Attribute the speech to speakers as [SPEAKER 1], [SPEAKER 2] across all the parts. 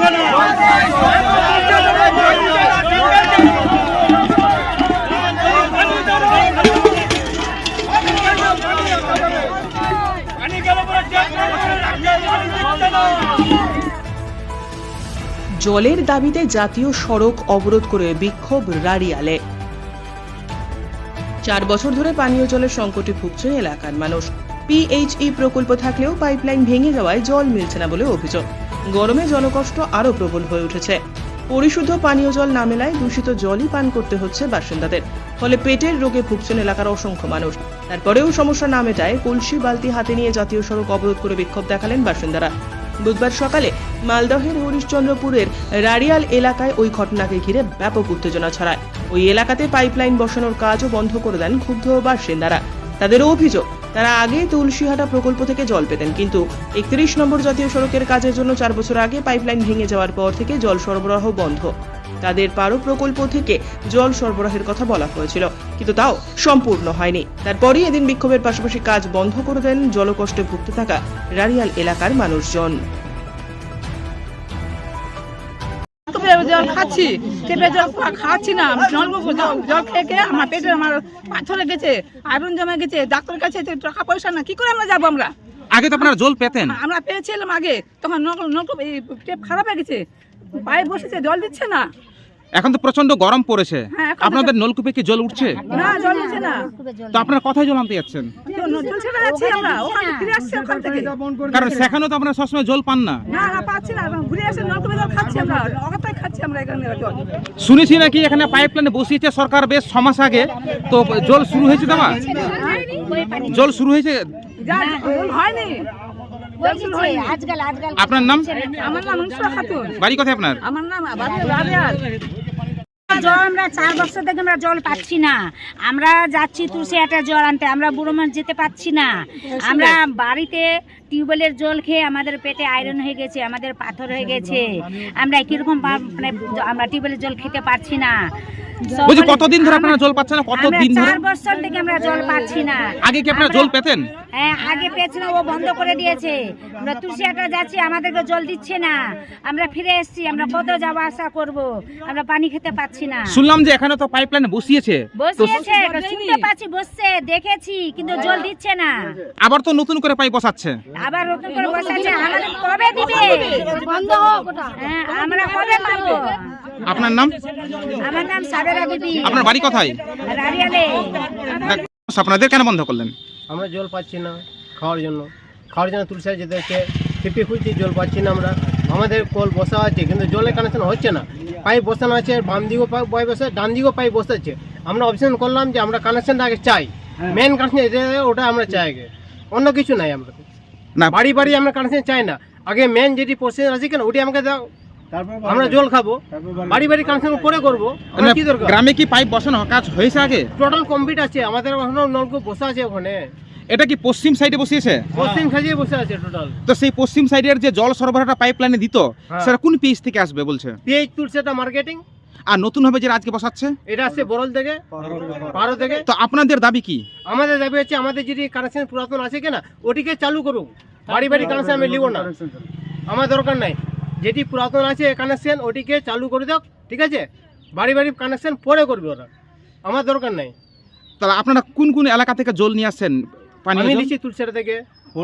[SPEAKER 1] জলের দাবিতে জাতীয় সড়ক অবরোধ করে বিক্ষোভ রাড়িয়ালে। 4 বছর ধরে পানীয় জলের সংকটে ভুগছেন এলাকার মানুষ। পিএইচই প্রকল্প থাকলেও পাইপলাইন ভেঙে যাওয়ায় জল মিলছে না বলে অভিযোগ। গরমে জনকষ্ট আরও প্রবল হয়ে উঠেছে। পরিশুদ্ধ পানীয় জল না মেলায় দূষিত জলই পান করতে হচ্ছে বাসিন্দাদের, ফলে পেটের রোগে ভুগছেন এলাকার অসংখ্য মানুষ। তারপরেও সমস্যা না মেটায় কলসি বালতি হাতে নিয়ে জাতীয় সড়ক অবরোধ করে বিক্ষোভ দেখালেন বাসিন্দারা। বুধবার সকালে মালদহের হরিশ্চন্দ্রপুরের রাড়িয়াল এলাকায় ওই ঘটনাকে ঘিরে ব্যাপক উত্তেজনা ছড়ায়। ওই এলাকাতে পাইপলাইন বসানোর কাজও বন্ধ করে দেন ক্ষুব্ধ বাসিন্দারা। তাদের অভিযোগ, তারা আগে তুলসীহাটা প্রকল্প থেকে জল পেতেন, কিন্তু 31 নম্বর জাতীয় সড়কের কাজের জন্য 4 বছর আগে পাইপলাইন ভেঙে যাওয়ার পর থেকে জল সরবরাহ বন্ধ। তাদের পারো প্রকল্প থেকে জল সরবরাহের কথা বলা হয়েছিল, কিন্তু তাও সম্পূর্ণ হয়নি। তারপরই এদিন বিক্ষোভের পাশাপাশি কাজ বন্ধ করে দেন জলকষ্টে ভুগতে থাকা রাড়িয়াল এলাকার মানুষজন।
[SPEAKER 2] জল খাচ্ছি, জল খাচ্ছি না, জল খেয়ে আমার পেটে আমার পাথরে গেছে, আয়রন জমে গেছে। ডাক্তারের কাছে টাকা পয়সা না, কি করে আমরা যাবো? আমরা
[SPEAKER 3] আগে তো আপনারা জল পেতেন?
[SPEAKER 2] আমরা পেয়েছিলাম আগে, তখন নলকূপ টেপ খারাপ হয়ে গেছে, পায়ে বসেছে, জল দিচ্ছে না।
[SPEAKER 3] এখন তো প্রচন্ড গরম পড়েছে, আপনাদের নলকূপে কি জল উঠছে?
[SPEAKER 2] না, জল উঠছে না।
[SPEAKER 3] তো আপনারা কোথায় জল আনতে যাচ্ছেন?
[SPEAKER 2] জল ছেড়ে যাচ্ছি আমরা, ওখানে ফিরে আসছি ওখান থেকে।
[SPEAKER 3] কারণ সেখানেও তো আপনারা সবসময় জল পান না।
[SPEAKER 2] না না, পাচ্ছি না, ঘুরে আসে নলকূপে জল খাচ্ছি আমরা, অগাতায় খাচ্ছি আমরা এখানে জল।
[SPEAKER 3] শুনেছি নাকি এখানে পাইপলাইনে বসিয়েছে সরকার বেশ 6 মাস আগে, তো জল শুরু হয়েছে? দেওয়া জল শুরু হয়েছে?
[SPEAKER 2] জল হয়নি।
[SPEAKER 3] আপনার নাম?
[SPEAKER 2] আমার নাম মনসুরা খাতুন।
[SPEAKER 3] বাড়ি কোথায় আপনার?
[SPEAKER 2] আমার নাম রাড়িয়াল।
[SPEAKER 4] জল আমরা 4 বছর থেকে আমরা জল পাচ্ছি না। আমরা যাচ্ছি তুলসীহাটা জল আনতে, আমরা বুড়ো মানুষ যেতে পাচ্ছি না। আমরা বাড়িতে টিউবওয়েলের জল খেয়ে আমাদের পেটে আয়রন হয়ে গেছে, আমাদের পাথর হয়ে গেছে। আমরা কিরকম মানে আমরা টিউবওয়েলের জল খেতে পারছি না।
[SPEAKER 3] বুঝি কতদিন ধরে আপনারা জল পাচ্ছেন না? কতদিন ধরে?
[SPEAKER 4] 4 বছর থেকে আমরা জল পাচ্ছি না।
[SPEAKER 3] আগে কি আপনারা জল পেতেন?
[SPEAKER 4] হ্যাঁ, আগে পেয়েছিল, ও বন্ধ করে দিয়েছে। আমরা তুলসীহাটা যাচ্ছি, আমাদেরকে জল দিচ্ছে না। আমরা ফিরে এসেছি, আমরা কত যাওয়া আসা করব, আমরা পানি খেতে পাচ্ছি না।
[SPEAKER 3] শুনলাম যে এখানে তো পাইপলাইন বসিয়েছে,
[SPEAKER 4] শুনতে পাচ্ছি, বসছে, দেখেছি, কিন্তু জল দিচ্ছে না।
[SPEAKER 3] আবার তো নতুন করে পাইপ বসাচ্ছে।
[SPEAKER 4] আবার নতুন করে বসাচ্ছে, আমাদের কবে দিবে? বন্ধ হোক। হ্যাঁ, আমরা কবে পাবো?
[SPEAKER 3] আপনার নাম?
[SPEAKER 4] আমার নাম সাবেরা বিবি।
[SPEAKER 3] আপনার বাড়ি কোথায়?
[SPEAKER 4] রাড়িয়ালে।
[SPEAKER 3] আপনাদের কেন বন্ধ করলেন?
[SPEAKER 5] আমরা জল পাচ্ছি না খাওয়ার জন্য তুলসীহাটা যেতে হচ্ছে, টিপে খুঁজছি, জল পাচ্ছি না আমরা। আমাদের কল বসা আছে, কিন্তু জলের কানেকশন হচ্ছে না। পাইপ বসানো আছে, বাম দিকেও পাইপ বসে, ডান দিকেও পাইপ বসাচ্ছে। আমরা অপশন করলাম যে আমরা কানেকশনটা আগে চাই, মেন কানেকশন ওটা আমরা চাই আগে, অন্য কিছু নাই। আমরা না বাড়ি বাড়ি আমরা কানেকশন চাই না, আগে মেন যেটি প্রসেস আছে কেন ওটি আমাকে দাও, আমরা জল খাবো। বাড়ি বাড়ি কানেকশন পরে করবো, কি দরকার?
[SPEAKER 3] গ্রামে কি পাইপ বসানো কাজ হয়েছে আগে?
[SPEAKER 5] টোটাল কমপ্লিট আছে, আমাদের এখনো নলকূপ বসা আছে ওখানে।
[SPEAKER 3] এটা কি পশ্চিম সাইডে বসিয়েছে?
[SPEAKER 5] পশ্চিম সাইডে বসে আছে টোটাল।
[SPEAKER 3] তো সেই পশ্চিম সাইডের যে জল সরবরাহটা পাইপলাইনে দিত, সেটা কোন পিএইচ থেকে আসবে বলছে?
[SPEAKER 5] PH Tulsihata marketing.
[SPEAKER 3] আর নতুন ভাবে যে আজকে বসাচ্ছে
[SPEAKER 5] এটা আসছে বরল থেকে, পারো থেকে।
[SPEAKER 3] তো আপনাদের দাবি কি?
[SPEAKER 5] আমাদের দাবি হচ্ছে আমাদের যেটি কানেকশন পুরাতন আছে কিনা ওটিকে চালু করুক। বাড়ি বাড়ি কানেকশন আমি নিব না, আমার দরকার নাই। যেটি পুরাতন আছে কানেকশন ওটিকে চালু করে দাও, ঠিক আছে? বাড়ি বাড়ি কানেকশন পরে করবে ওরা, আমার দরকার নাই।
[SPEAKER 3] তাহলে আপনারা কোন কোন এলাকা থেকে জল নিয়ে আসছেন?
[SPEAKER 5] আমি নিচ্ছি তুলসীহাটা থেকে,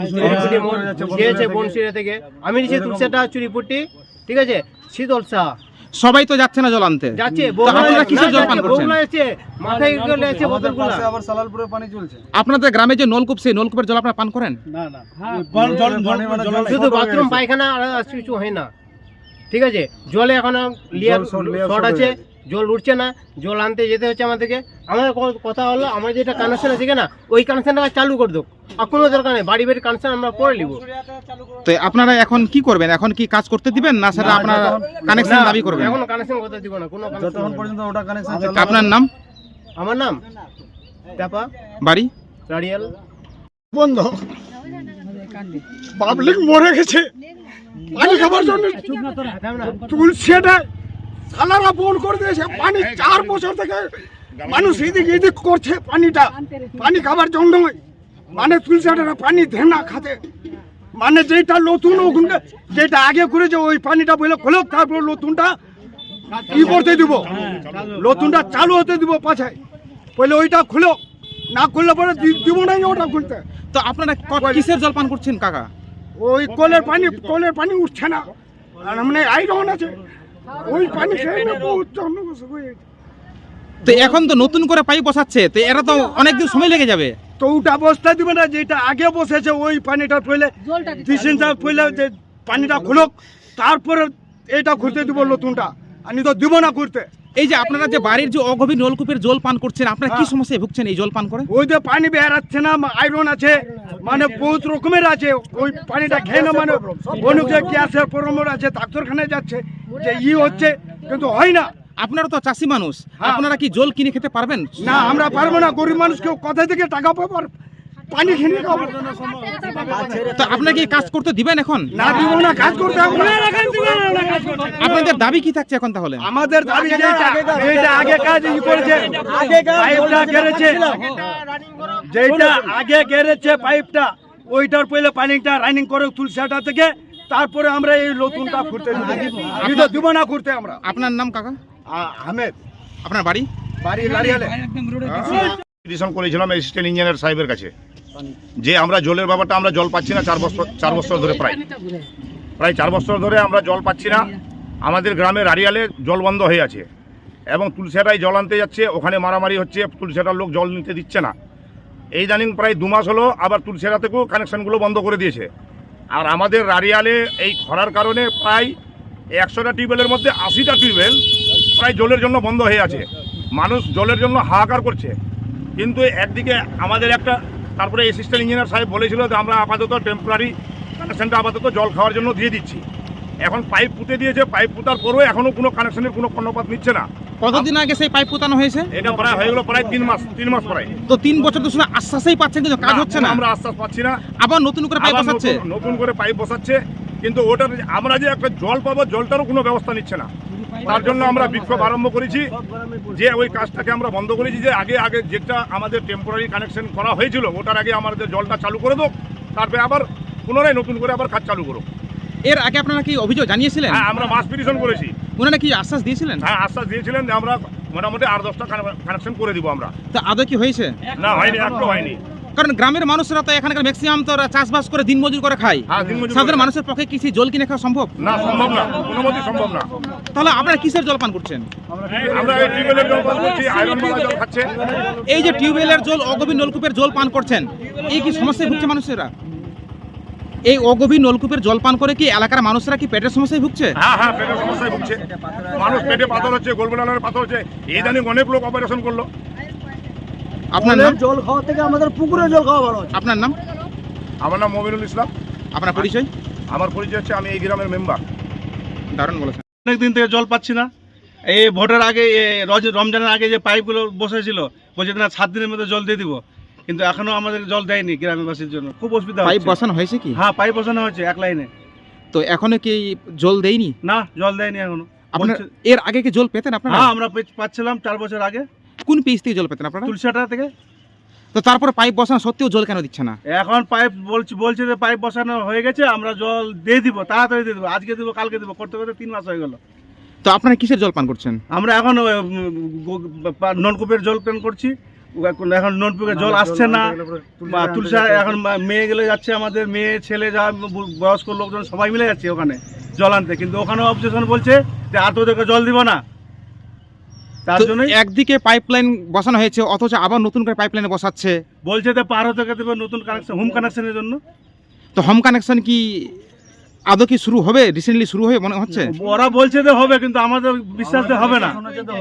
[SPEAKER 5] বনশিরা থেকে আমি নিচ্ছি, তুলসীহাটা, চুরিপুটি, ঠিক আছে, শীতলসা।
[SPEAKER 3] সবাই তো যাচ্ছে না জল আনতে,
[SPEAKER 5] যাচ্ছে।
[SPEAKER 3] কিসের জল পান করছেন?
[SPEAKER 5] মাথায় আছে বোতলগুলো।
[SPEAKER 6] আবার সালালপুরে পানি চলছে।
[SPEAKER 3] আপনাদের গ্রামে যে নলকূপ, সেই নলকূপের জল আপনারা পান করেন?
[SPEAKER 6] না না,
[SPEAKER 5] শুধু বাথরুম পায়খানা আর কিছু হয় না, ঠিক আছে? জলে এখন শর্ট আছে, জল উঠছে না, জল আনতে যেতে হচ্ছে আমাদেরকে। আমাদের কথা হলো আমার যেটা কানেকশন আছে কিনা ওই কানেকশনটা চালু করে দেবো, আর কোনো দরকার নেই। বাড়ি বাড়ি কানেকশন আমরা করে নিব।
[SPEAKER 3] তো আপনারা এখন কি করবেন? এখন কি কাজ করতে দিবেন না সেটা আপনারা কানেকশন দাবি করবেন?
[SPEAKER 5] এখন কানেকশন করতে দিব না, কোনো
[SPEAKER 6] যতক্ষণ পর্যন্ত ওটা কানেকশন।
[SPEAKER 3] আপনার নাম?
[SPEAKER 5] আমার নাম টাপা,
[SPEAKER 3] বাড়ি
[SPEAKER 5] রাড়িয়াল।
[SPEAKER 7] বন্ধ, পাবলিক মরে গেছে পানি খাবার জন্য। তুলসীহাটা সালারা ফোন করে দিয়েছে, পানি 4 বছর থেকে মানুষ এদিক করছে পানি খাবার জন্য। মানে তুলসীহাটা পানি দেয় না খাতে, মানে যেটা নতুন ওখানকার যেটা আগে করেছে ওই পানিটা বলে খোলো, তারপর নতুনটা কি করতে দিব, নতুনটা চালু হতে দিব পাছায়, বলে ওইটা খুলো, না খুললে পরে দিব না ওটা খুলতে।
[SPEAKER 3] তো আপনারা কিসের জল পান করছেন কাকা?
[SPEAKER 7] ওই কলের পানি উঠছে না, আর মানে আইরন আছে, ওই পানি খেয়ে না বহুত জন্মগ্রস্ত হয়ে গেছে।
[SPEAKER 3] তো এখন তো নতুন করে পাইপ বসাচ্ছে, তো এরা তো অনেকদিন সময় লেগে যাবে।
[SPEAKER 7] তো ওটা বসতে দিবে না, যেটা আগে বসেছে ওই পানিটা পড়লে ডিসেন্সা পড়লে যে পানিটা খুলুক, তারপরে এটা খুলতে দিব নতুনটা, আমি তো দিব না করতে।
[SPEAKER 3] এই যে আপনারা যে বাড়ির যে অগভীর নলকূপের জল পান করছেন, আপনারা কি সমস্যায় ভুগছেন এই জল পান করে?
[SPEAKER 7] ওই যে পানি বেরাচ্ছে না, আয়রন আছে, মানে বহুত রকমের আছে, ওই পানিটা খেয়ে না মানে অনেক যে গ্যাসের প্রবলেম আছে, ডাক্তারখানায় যাচ্ছে যে হচ্ছে, কিন্তু হয় না।
[SPEAKER 3] আপনারা তো চাষি মানুষ, আপনারা কি জল কিনে খেতে পারবেন?
[SPEAKER 7] না আমরা পারবো না, গরিব মানুষকে কোথা থেকে টাকা পাবো আর পানি কিনে খাবো?
[SPEAKER 3] তো আপনারা কি কাজ করতে দিবেন এখন?
[SPEAKER 7] না দিব না, কাজ করতে হবে না।
[SPEAKER 3] আপনাদের দাবি কি থাকছে এখন তাহলে?
[SPEAKER 7] আমাদের দাবি যেটা আগে কাজ করেছে, পাইপটা গেড়েছে, যেটা আগে গেড়েছে পাইপটা, ওইটার পরে পানিটা রানিং করে তুলসাটা থেকে, তারপরে আমরা এই নতুনটা করতে দিব না করতে আমরা।
[SPEAKER 3] আপনার নাম কাকা?
[SPEAKER 7] আহমেদ।
[SPEAKER 3] আপনার বাড়ি?
[SPEAKER 7] বাড়ি লারিয়ালে।
[SPEAKER 8] পিটিশন করেছিলাম অ্যাসিস্ট্যান্ট ইঞ্জিনিয়ার সাহেবের কাছে যে আমরা জলের ব্যাপারটা, আমরা জল পাচ্ছি না 4 বছর ধরে, প্রায় 4 বছর ধরে আমরা জল পাচ্ছি না। আমাদের গ্রামের আড়িয়ালে জল বন্ধ হয়ে আছে এবং তুলসিয়াটায় জল আনতে যাচ্ছে, ওখানে মারামারি হচ্ছে, তুলসিয়াটার লোক জল নিতে দিচ্ছে না। এই জানিং প্রায় 2 মাস হলো আবার তুলসিয়াটা থেকেও কানেকশানগুলো বন্ধ করে দিয়েছে। আর আমাদের আড়িয়ালে এই খরার কারণে প্রায় 100টা টিউবওয়েলের মধ্যে 80টা টিউবওয়েল প্রায় জলের জন্য বন্ধ হয়ে আছে। মানুষ জলের জন্য হাহাকার করছে। কিন্তু একদিকে আমাদের তারপরে অ্যাসিস্ট্যান্ট ইঞ্জিনিয়ার সাহেব বলেছিল যে আমরা আপাতত টেম্পোরারি কানেকশানটা আপাতত জল খাওয়ার জন্য দিয়ে দিচ্ছি। এখন পাইপ পুঁতে দিয়েছে, পাইপ পুঁতার পরেও এখনও কোনো কানেকশানের কোনো কর্ণপাত নিচ্ছে না।
[SPEAKER 3] কতদিন আগে সেই পাইপ পোতানো হয়েছে?
[SPEAKER 8] এটা প্রায় হয়ে গেল প্রায় 3 মাস প্রায়।
[SPEAKER 3] তো 3 বছর তো শুনে আশ্বাসই পাচ্ছেন, কিন্তু কাজ হচ্ছে না।
[SPEAKER 8] আমরা আশ্বাস পাচ্ছি না।
[SPEAKER 3] আবার নতুন করে পাইপ বসাচ্ছে,
[SPEAKER 8] নতুন করে পাইপ বসাচ্ছে, কিন্তু ওটার আমরা যে একটা জল পাবো, জলটারও কোনো ব্যবস্থা নিচ্ছে না। তার জন্য আমরা বিক্ষোভ আরম্ভ করেছি যে ওই কাজটাকে আমরা বন্ধ করেছি, যে আগে যেটা আমাদের টেম্পোরারি কানেকশন করা হয়েছিল ওটার আগে আমাদের জলটা চালু করে দাও, তারপরে আবার পুনরায় নতুন করে আবার কাজ চালু করো।
[SPEAKER 3] এর আগে আপনারা কি অভিযোগ জানিয়েছিলেন?
[SPEAKER 8] হ্যাঁ, আমরা মাস পিটিশন করেছি।
[SPEAKER 3] ওনারা কি আশ্বাস দিয়েছিলেন?
[SPEAKER 8] হ্যাঁ, আশ্বাস দিয়েছিলেন যে আমরা মোটামুটি 8-10টা কানেকশন করে দিব আমরা।
[SPEAKER 3] তো আদৌ কি হয়েছে?
[SPEAKER 8] না, হয়নি, একটু হয়নি।
[SPEAKER 3] কারণ গ্রামের মানুষরা তো এখানকার ম্যাক্সিমাম তো চাষবাস করে দিনমজুর করে খায়।
[SPEAKER 8] হ্যাঁ, দিনমজুর করে
[SPEAKER 3] সাধারণ
[SPEAKER 8] খায়।
[SPEAKER 3] মানুষের পক্ষে কি সেই জল কিনে খাওয়া সম্ভব?
[SPEAKER 8] না, সম্ভব না, কোনো মতেই সম্ভব না।
[SPEAKER 3] তাহলে আপনারা কিসের জল পান করছেন?
[SPEAKER 8] আমরা এই টিউবওয়েলের জল পান করছি, আয়রনওয়ালা জল খাচ্ছে।
[SPEAKER 3] এই যে টিউবওয়েলের জল, অগভীর নলকূপের জল পান করছেন, এই কি সমস্যায় ভুগছে মানুষেরা? এই অগভীর নলকূপের জল পান করে কি এলাকার মানুষরা কি পেটের সমস্যায় ভুগছে?
[SPEAKER 8] হ্যাঁ, পেটের সমস্যায় ভুগছে। মানুষ পেটে পাথর হচ্ছে, গোলবেলার পাথর হচ্ছে। এই জানি অনেক লোক অপারেশন করলো।
[SPEAKER 3] আপনার নাম?
[SPEAKER 6] জল খাওয়া থেকে আমাদের পুকুরে জল খাওয়া ভালো।
[SPEAKER 3] আপনার নাম?
[SPEAKER 8] আমার নাম মমিনুল ইসলাম।
[SPEAKER 3] আপনার পরিচয়?
[SPEAKER 8] আমার পরিচয় হচ্ছে আমি এই গ্রামের মেম্বার।
[SPEAKER 3] দারুণ বলেছেন।
[SPEAKER 6] অনেক দিন থেকে জল পাচ্ছি না। এই ভোটের আগে, রমজানের আগে যে পাইপগুলো বসেছিল, বলছে না 7 দিনের মধ্যে জল দিয়ে দিব, কিন্তু এখনো আমাদের জল দেয়নি গ্রামবাসীর জন্য। খুব অসুবিধা
[SPEAKER 3] পাইপ
[SPEAKER 6] হচ্ছে।
[SPEAKER 3] বসানো হয়েছে কি?
[SPEAKER 6] হ্যাঁ, পাইপ বসানো হয়েছে 1 লাইনে।
[SPEAKER 3] তো এখনো কি জল দেয়নি?
[SPEAKER 6] না, জল দেয়নি এখনো।
[SPEAKER 3] আপনার এর আগে কি জল পেতেন আপনারা?
[SPEAKER 6] হ্যাঁ, আমরা পাচ্ছিলাম 4 বছর আগে।
[SPEAKER 3] কোন পিস থেকে জল পেতেন আপনারা?
[SPEAKER 6] তুলসিয়াটা থেকে।
[SPEAKER 3] তো তারপরে পাইপ বসানো সত্ত্বেও জল কেন দিচ্ছে না?
[SPEAKER 6] এখন পাইপ বলছে যে পাইপ বসানো হয়ে গেছে, আমরা জল দিয়ে দিব, তাড়াতাড়ি দিয়ে দেবো, আজকে দিব, কালকে দিব, করতে করতে 3 মাস হয়ে গেল।
[SPEAKER 3] তো আপনারা কিসের জল পান করছেন?
[SPEAKER 6] আমরা এখন নলকূপের জল পান করছি। এখন নলকূপের জল আসছে না, বা তুলসা এখন মেয়ে গেলে যাচ্ছে, আমাদের মেয়ে ছেলে যা বয়স্ক লোকজন সবাই মিলে যাচ্ছে ওখানে জল আনতে, কিন্তু ওখানে অবজেকশন বলছে যে আর তোদেরকে জল দিব না। তার জন্য
[SPEAKER 3] একদিকে পাইপলাইন বসানো হয়েছে, অথচ আবার নতুন করে পাইপলাইন বসাচ্ছে।
[SPEAKER 6] বলছে যে পার হতে দেবে নতুন কানেকশন, হোম কানেকশনের জন্য।
[SPEAKER 3] তো হোম কানেকশন কি আদৌ কি শুরু হবে? রিসেন্টলি শুরু হয়ে মনে হচ্ছে।
[SPEAKER 6] ওরা বলছে যে হবে, কিন্তু আমাদের বিশ্বাস হবে না।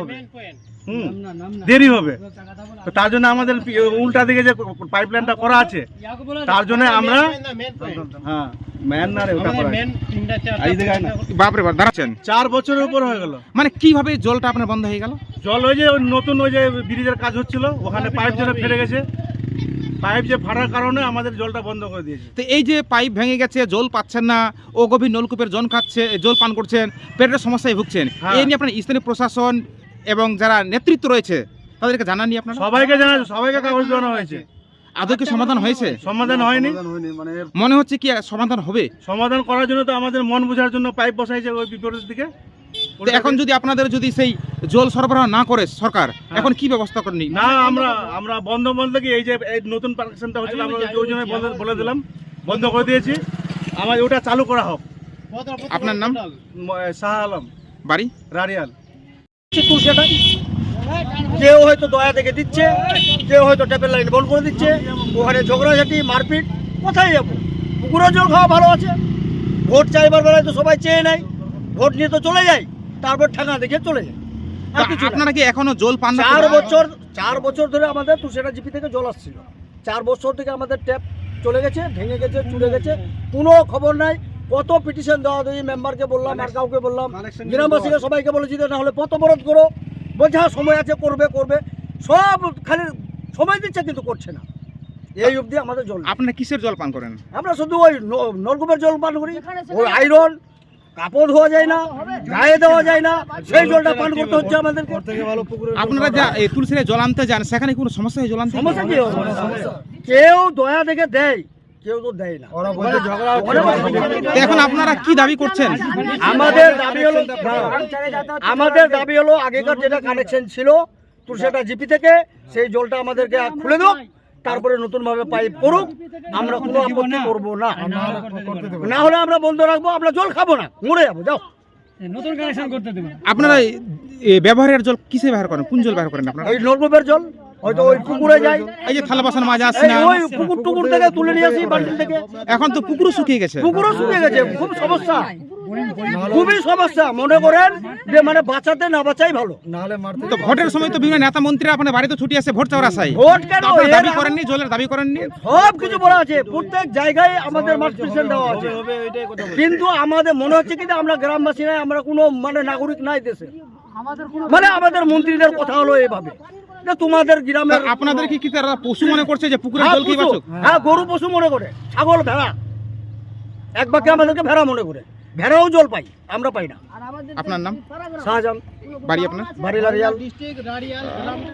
[SPEAKER 6] দেরি হবে। তো তার জন্য আমাদের উল্টা দিকে যে পাইপলাইনটা করা আছে, তার জন্য আমরা হ্যাঁ ম্যান না রে ওটা করা এই জায়গায় না।
[SPEAKER 3] বাপরে বাপ, দাঁড়াচ্ছেন
[SPEAKER 6] 4 বছরের উপর হয়ে গেল।
[SPEAKER 3] মানে কিভাবে জলটা আপনার বন্ধ হয়ে গেল?
[SPEAKER 6] জল ওই যে নতুন ওই যে ব্রিজের কাজ হচ্ছিল, ওখানে পাইপ যেন ফেটে গেছে, পাইপ যে ফাটার কারণে আমাদের জলটা বন্ধ করে দিয়েছে।
[SPEAKER 3] তো এই যে পাইপ ভেঙে গেছে, জল পাচ্ছেন না, ও গভীর নলকূপের জল পান করছেন, পেটের সমস্যায় ভুগছেন, এই নিয়ে আপনার স্থানীয় প্রশাসন এবং যারা নেতৃত্ব রয়েছে তাদেরকে জানাননি আপনারা?
[SPEAKER 6] সবাইকে জানা, সবাইকে কাগজ দেওয়ানো হয়েছে।
[SPEAKER 3] আদৌ কি সমাধান হয়েছে?
[SPEAKER 6] সমাধান হয়নি।
[SPEAKER 3] মনে হচ্ছে কি সমাধান হবে?
[SPEAKER 6] সমাধান করার জন্য তো আমাদের মন বোঝার জন্য পাইপ বসাইছে ওই বিপরীত দিকে।
[SPEAKER 3] তো এখন যদি আপনাদের যদি সেই জল সরবরাহ না করে সরকার, এখন কি ব্যবস্থা করেনি?
[SPEAKER 6] না, আমরা বন্ধ কি এই যে এই নতুন কানেকশনটা হচ্ছে আমরা ওই জন্য বলে দিলাম, বন্ধ করে দিয়েছি। আমার ওটা চালু করা হোক।
[SPEAKER 3] আপনার নাম?
[SPEAKER 6] শাহ আলম,
[SPEAKER 3] বাড়ি?
[SPEAKER 6] রারিয়াল।
[SPEAKER 7] সেটাই কেউ হয়তো দয়া থেকে দিচ্ছে, কেউ হয়তো ট্যাপের লাইন বন্ধ করে দিচ্ছে, ওখানে ঝগড়াঝাটি মারপিট। কোথায় যাবো? পুকুরের জল খাওয়া ভালো আছে। ভোট চাইবার বেলায় তো সবাই চেয়ে নেয়, ভোট নিয়ে তো চলে যায়, তারপর ঠেকা দেখে চলে যায়। আর কিছু না।
[SPEAKER 3] আপনারা কি এখনো জল পান না?
[SPEAKER 7] 4 বছর ধরে আমাদের তুষেরা জিপি থেকে জল আসছিল। 4 বছর থেকে আমাদের ট্যাপ চলে গেছে, ভেঙে গেছে, চুড়ে গেছে, কোনো খবর নাই। কত পিটিশন দেওয়া দেয়, মেম্বারকে বললাম, আর কাউকে বললাম, গ্রামবাসীকে সবাইকে বলেছি যে না হলে পথ অবরোধ করো। বলছে হ্যাঁ সময় আছে, করবে। সব খালি সময় দিচ্ছে কিন্তু করছে না। এই অবধি আমাদের জল।
[SPEAKER 3] আপনারা কিসের জল পান করেন?
[SPEAKER 7] আমরা শুধু ওই নলকূপের জল পান করি। ওই আয়রন, কাপড় ধোয়া যায় না, গায়ে দেওয়া যায় না, সেই জলটা পান করতে হচ্ছে আমাদেরকে।
[SPEAKER 3] আপনারা যা এই তুলসীরে জল আনতে যান, সেখানে কোনো সমস্যা হয় জল আনতে?
[SPEAKER 7] সমস্যা কি হবে? কেউ দয়া দেখে দেয়, কেউ তো দেয় না।
[SPEAKER 3] তো এখন আপনারা কি দাবি করছেন?
[SPEAKER 7] আমাদের দাবি হলো আগেকার যেটা কানেকশন ছিল তুলসীটা জিপি থেকে, সেই জলটা আমাদেরকে খুলে দাও, তারপরে নতুন ভাবে পাইপ করুক। আমরা কোনো আপত্তি করবো না, না হলে আমরা বন্ধ রাখবো, আমরা জল খাবো না, মরে যাবো। যাও,
[SPEAKER 3] আপনারা ব্যবহারের জল কিসে ব্যবহার করেন? কোন জল ব্যবহার করেন আপনারা?
[SPEAKER 7] ওই নলকূপের জল, হয়তো ওই পুকুরে যায়,
[SPEAKER 3] এই যে থালা বাসন মাজা আসছে
[SPEAKER 7] এই
[SPEAKER 3] না,
[SPEAKER 7] ওই পুকুর টুকুর থেকে তুলে নিয়ে আসি বালতি থেকে।
[SPEAKER 3] এখন তো পুকুরও শুকিয়ে গেছে।
[SPEAKER 7] পুকুরও শুকিয়ে গেছে, খুব সমস্যা, খুবই সমস্যা। মনে করেন যে মানে বাঁচাতে না বাঁচাই ভালো।
[SPEAKER 3] তো ভোটের সময় তো বিভিন্ন নেতা মন্ত্রীরা আপনার বাড়িতে ছুটি আসে ভোট চাওয়ার আশায়।
[SPEAKER 7] ভোট কেন?
[SPEAKER 3] তো আপনারা দাবি করেননি, জলের দাবি করেননি?
[SPEAKER 7] সব কিছু বলা আছে, প্রত্যেক জায়গায় আমাদের মাঠ পেশেন্ট দেওয়া আছে, কিন্তু আমাদের মনে হচ্ছে কি যে আমরা গ্রামবাসী নাই, আমরা কোনো মানে নাগরিক নাই দেশে। মানে আমাদের মন্ত্রীদের কথা হলো এইভাবে যে তোমাদের গ্রামের
[SPEAKER 3] আপনাদের কি তারা পশু মনে করছে যে পুকুরের জল কি বাঁচুক?
[SPEAKER 7] হ্যাঁ, গরু পশু মনে করে, ছাগল, ভেড়া, এক বাক্যে আমাদেরকে ভেড়া মনে করে। ভেড়াও জল পাই, আমরা পাই না।
[SPEAKER 3] আপনার নাম?
[SPEAKER 7] শাহজাহান।
[SPEAKER 3] বাড়ি আপনার?
[SPEAKER 7] বাড়ি লারিয়াল।